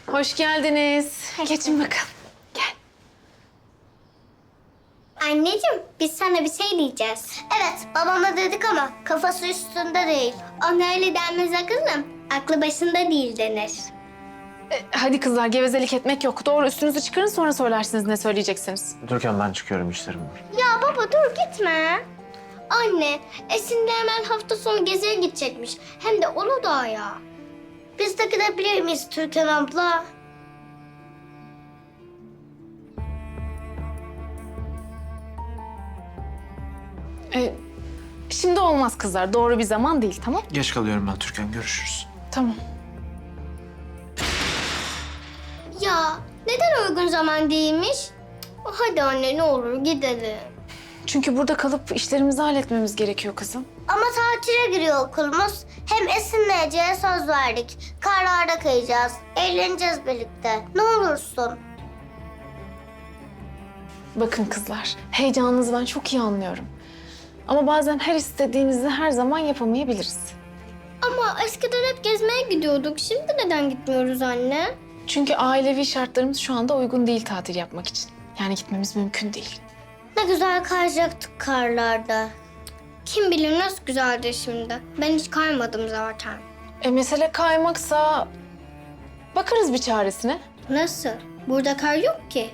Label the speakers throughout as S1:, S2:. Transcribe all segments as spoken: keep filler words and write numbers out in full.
S1: Hoş geldiniz. Geçin bakalım. Gel.
S2: Anneciğim, biz sana bir şey diyeceğiz. Evet, babama dedik ama kafası üstünde değil. Ona öyle denmez kızım. Aklı başında değil denir.
S1: E, hadi kızlar, gevezelik etmek yok. Doğru, üstünüzü çıkarın, sonra söylersiniz ne söyleyeceksiniz.
S3: Türkan ben çıkıyorum, işlerim var.
S2: Ya baba dur gitme. Anne, Esin'le hemen hafta sonu geziye gidecekmiş. Hem de Uludağ'a. Biz de gidebilir miyiz Türkan abla?
S1: E, şimdi olmaz kızlar, doğru bir zaman değil, tamam?
S3: Geç kalıyorum ben Türkan, görüşürüz.
S1: Tamam.
S2: Ya neden uygun zaman değilmiş? Hadi anne ne olur gidelim.
S1: Çünkü burada kalıp işlerimizi halletmemiz gerekiyor kızım.
S2: Ama tatile giriyor okulumuz. Hem Esin'le Ece'ye söz verdik. Karlarda kayacağız. Eğleneceğiz birlikte. Ne olursun.
S1: Bakın kızlar, heyecanınızı ben çok iyi anlıyorum. Ama bazen her istediğinizi her zaman yapamayabiliriz.
S2: Ama eskiden hep gezmeye gidiyorduk. Şimdi neden gitmiyoruz anne?
S1: Çünkü ailevi şartlarımız şu anda uygun değil tatil yapmak için. Yani gitmemiz mümkün değil.
S2: Ne güzel kayacaktık karlarda. Kim bilir nasıl güzeldir şimdi. Ben hiç kaymadım zaten.
S1: E mesele kaymaksa bakarız bir çaresine.
S2: Nasıl? Burada kar yok ki.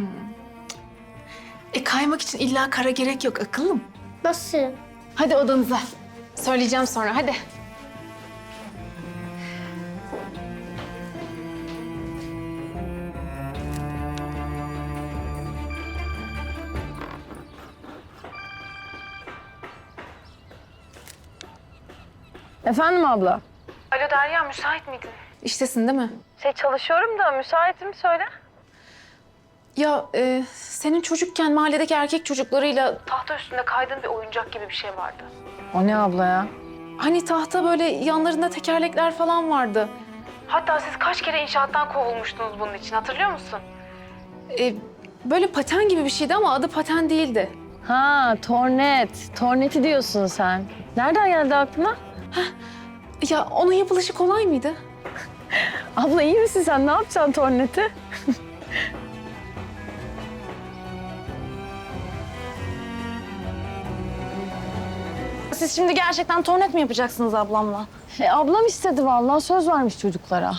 S1: E kaymak için illa kara gerek yok akıllım.
S2: Nasıl?
S1: Hadi odanıza. Söyleyeceğim sonra, hadi.
S4: Efendim abla?
S1: Alo Derya, müsait miydin? İştesin değil mi?
S4: Şey çalışıyorum da müsaitim söyle.
S1: Ya e, senin çocukken mahalledeki erkek çocuklarıyla tahta üstünde kaydığın bir oyuncak gibi bir şey vardı.
S4: O ne abla ya?
S1: Hani tahta böyle yanlarında tekerlekler falan vardı. Hatta siz kaç kere inşaattan kovulmuştunuz bunun için, hatırlıyor musun? E, böyle paten gibi bir şeydi ama adı paten değildi.
S4: Ha tornet. Torneti diyorsun sen. Nereden geldi aklına?
S1: Ya onun yapılışı kolay mıydı?
S4: Abla iyi misin sen? Ne yapacaksın torneti?
S5: Siz şimdi gerçekten tornet mi yapacaksınız ablamla?
S4: E, ablam istedi vallahi söz vermiş çocuklara.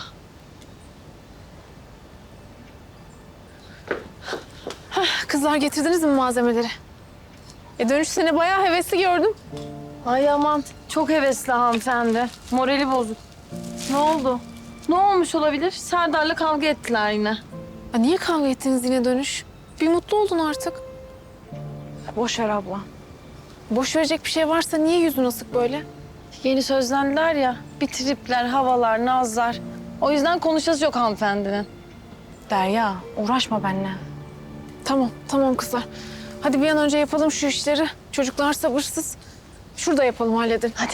S1: Kızlar getirdiniz mi malzemeleri? E dönüş seni bayağı hevesli gördüm.
S4: Ay aman çok hevesli hanımefendi. Morali bozuk. Ne oldu? Ne olmuş olabilir? Serdar'la kavga ettiler yine.
S1: Ya niye kavga ettiniz yine dönüş? Bir mutlu oldun artık.
S5: Boş ver abla.
S1: Boş verecek bir şey varsa niye yüzün asık böyle?
S4: Yeni sözlendiler ya. Bir tripler, havalar, nazlar. O yüzden konuşası yok hanımefendinin.
S1: Derya, uğraşma benimle. Tamam, tamam kızlar. Hadi bir an önce yapalım şu işleri. Çocuklar sabırsız. Şurada yapalım, halledelim. Hadi.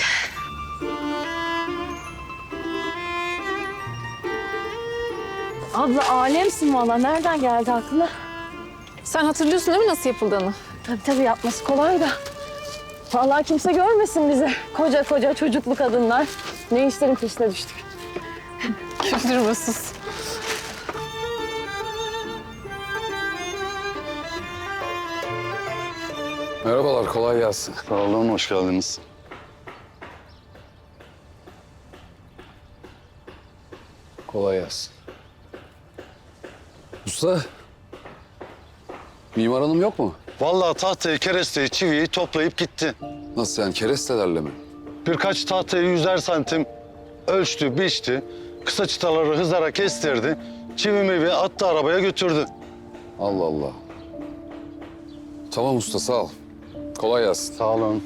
S4: Abla alemsin valla. Nereden geldi aklına?
S1: Sen hatırlıyorsun değil mi nasıl yapıldığını?
S4: Tabii tabii yapması kolay da. Vallahi kimse görmesin bizi. Koca koca çocuklu kadınlar. Ne işlerin peşine düştük.
S1: Güldürme, sus.
S6: Merhabalar, kolay gelsin.
S7: Sağ olun, hoş geldiniz.
S6: Kolay gelsin. Usta, Mimar Hanım yok mu?
S7: Vallahi tahtayı, keresteyi, çiviyi toplayıp gitti.
S6: Nasıl yani, kerestelerle mi?
S7: Birkaç tahtayı yüzer santim ölçtü, biçti. Kısa çıtaları hızara kestirdi. Çivi mivi attı, arabaya götürdü.
S6: Allah Allah. Tamam usta, sağ ol. Kolay gelsin.
S7: Sağ olun.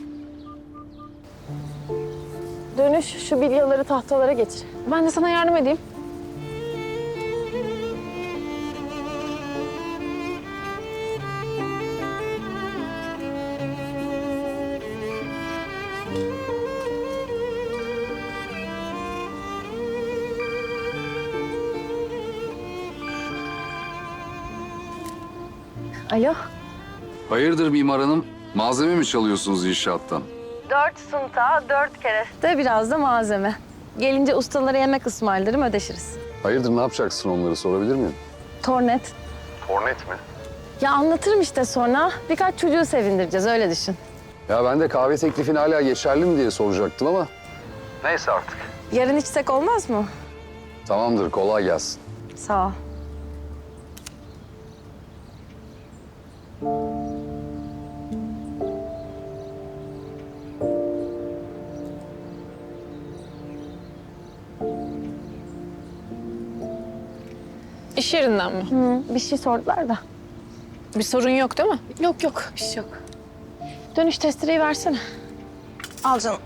S4: Dönüş şu bilyaları tahtalara getir.
S1: Ben de sana yardım edeyim.
S4: Alo.
S6: Hayırdır Mimar Hanım? Malzeme mi çalıyorsunuz inşaattan?
S4: Dört sunta, dört kereste, biraz da malzeme. Gelince ustalara yemek ısmarlarım, ödeşiriz.
S6: Hayırdır ne yapacaksın onları sorabilir miyim?
S4: Tornet.
S6: Hornet mi?
S4: Ya anlatırım işte sonra. Birkaç çocuğu sevindireceğiz öyle düşün.
S6: Ya ben de kahve teklifin hala geçerli mi diye soracaktım ama. Neyse artık.
S4: Yarın içsek olmaz mı?
S6: Tamamdır kolay gelsin.
S4: Sağ ol.
S1: İş yerinden mi?
S4: Hı, bir şey sordular da.
S1: Bir sorun yok değil mi?
S4: Yok yok bir şey yok. Dönüş testereyi versene.
S5: Al canım.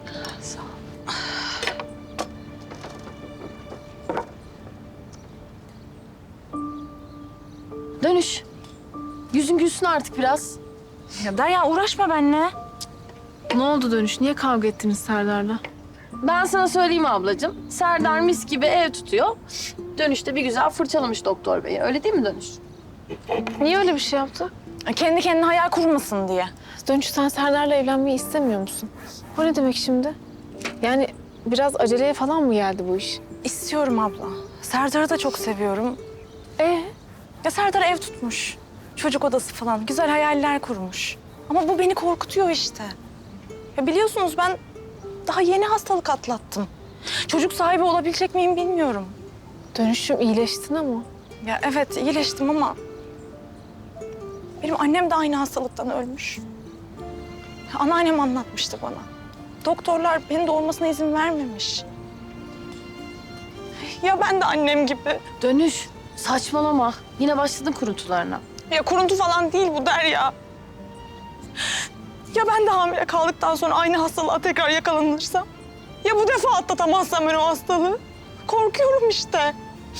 S4: Dönüş. Yüzün gülsün artık biraz.
S5: Ya Derya uğraşma benimle.
S1: Ne oldu Dönüş? Niye kavga ettiniz Serdar'la?
S4: Ben sana söyleyeyim ablacığım. Serdar mis gibi ev tutuyor. Dönüşte bir güzel fırçalamış doktor beyi. Öyle değil mi Dönüş?
S1: Niye öyle bir şey yaptı?
S5: Kendi kendine hayal kurmasın diye.
S1: Dönüş sen Serdar'la evlenmeyi istemiyor musun? O ne demek şimdi? Yani biraz aceleye falan mı geldi bu iş?
S5: İstiyorum abla. Serdar'ı da çok seviyorum.
S1: Ee?
S5: Ya Serdar ev tutmuş. Çocuk odası falan. Güzel hayaller kurmuş. Ama bu beni korkutuyor işte. Ya biliyorsunuz ben daha yeni hastalık atlattım. Çocuk sahibi olabilecek miyim bilmiyorum.
S1: Dönüşüm iyileştin ama.
S5: Ya evet iyileştim ama... Benim annem de aynı hastalıktan ölmüş. Ya anneannem anlatmıştı bana. Doktorlar beni doğurmasına izin vermemiş. Ya ben de annem gibi.
S4: Dönüş. Saçmalama. Yine başladın kuruntularına.
S5: Ya kuruntu falan değil bu Derya. Ya ben de hamile kaldıktan sonra aynı hastalığa tekrar yakalanırsam? Ya bu defa atlatamazsam ben o hastalığı? Korkuyorum işte.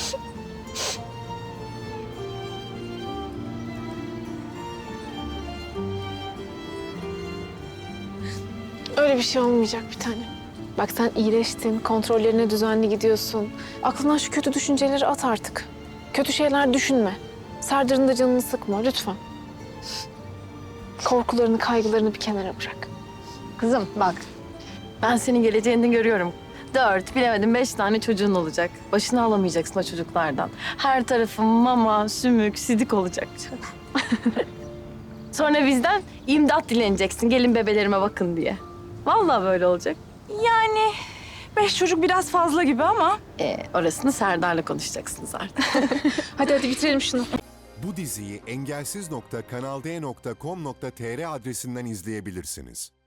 S1: Öyle bir şey olmayacak bir tane. Bak sen iyileştin, kontrollerine düzenli gidiyorsun. Aklından şu kötü düşünceleri at artık. Kötü şeyler düşünme. Serdar'ın da canını sıkma lütfen. Korkularını, kaygılarını bir kenara bırak.
S4: Kızım bak. Ben senin geleceğini görüyorum. Dört, bilemedim beş tane çocuğun olacak. Başını alamayacaksın o çocuklardan. Her tarafın mama, sümük, sidik olacak. Sonra bizden imdat dileneceksin. Gelin bebelerime bakın diye. Vallahi böyle olacak.
S5: Yani beş çocuk biraz fazla gibi ama...
S4: Ee, orasını Serdar'la konuşacaksınız artık.
S1: Hadi hadi bitirelim şunu.
S8: Bu diziyi engelsiz nokta kanal d nokta com nokta tr adresinden izleyebilirsiniz.